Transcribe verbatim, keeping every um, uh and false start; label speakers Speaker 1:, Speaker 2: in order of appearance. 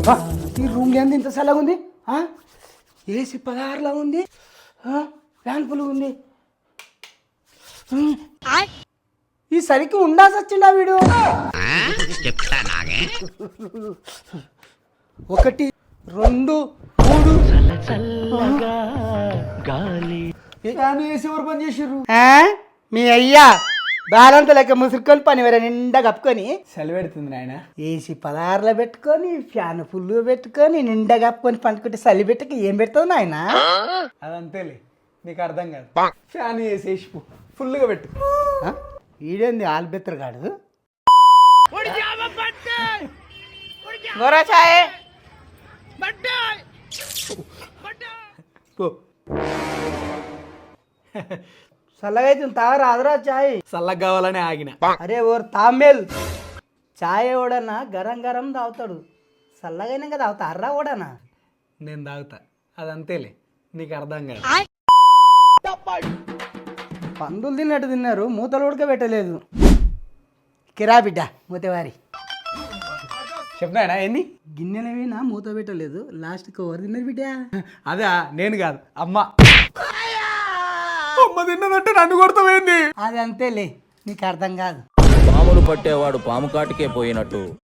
Speaker 1: ఈ రూమ్ ఏంది ఇంత చల్లగా ఉంది? ఏసీ పదహారులా ఉంది, ఫ్యాన్ ఫుల్ ఉంది. ఈ సరికి ఉండాల్సి వచ్చిండా వీడు? ఒకటి రెండు మూడు
Speaker 2: ఏసీ ఎవరు పని చేసిర్రు?
Speaker 1: మీ అయ్యా బాలంత లెక్క ముసురుకొని పని వేరే నిండా కప్పుకొని
Speaker 2: చలి పెడుతుంది నాయన.
Speaker 1: ఏసీ పదహారులో పెట్టుకొని ఫ్యాన్ ఫుల్ పెట్టుకొని నిండా కప్పుకొని పండుకుంటే చలి పెట్టుకు ఏం పెడతావు నాయన?
Speaker 2: అదంతేలే, నీకు అర్థం కాదు. ఫ్యాన్ వేసేసి ఫుల్గా పెట్టు.
Speaker 1: ఈడేంది ఆల్బెత్తరగాడు? చల్లగా అయితే తాగరా అదరా చాయ్.
Speaker 2: చల్లగా కావాలని ఆగిన.
Speaker 1: అరే ఓర్ తామేల్, చాయ్ ఓడన్నా గరం గరం తాగుతాడు, చల్లగైనా కదా తాగుతా అర్రా ఓడనా?
Speaker 2: నేను తాగుతా, అదంతేలే, నీకు అర్థం కాదు.
Speaker 1: పందులు తిన్నట్టు తిన్నారు, మూతలు ఉడకబెట్టలేదు. కిరా బిడ్డ మూతవారి
Speaker 2: చెప్పినాయనా ఏంది?
Speaker 1: గిన్నెలవేనా మూత పెట్టలేదు, లాస్ట్కి ఎవరు తిన్నారు బిడ్డ?
Speaker 2: అదా నేను కాదు, అమ్మ. అమ్మ తిన్నదంటే నన్ను కొడతావేంది?
Speaker 1: అది అంతేలే, నీకు అర్థం కాదు.
Speaker 3: పాములు పట్టేవాడు పాము కాటికే పోయినట్టు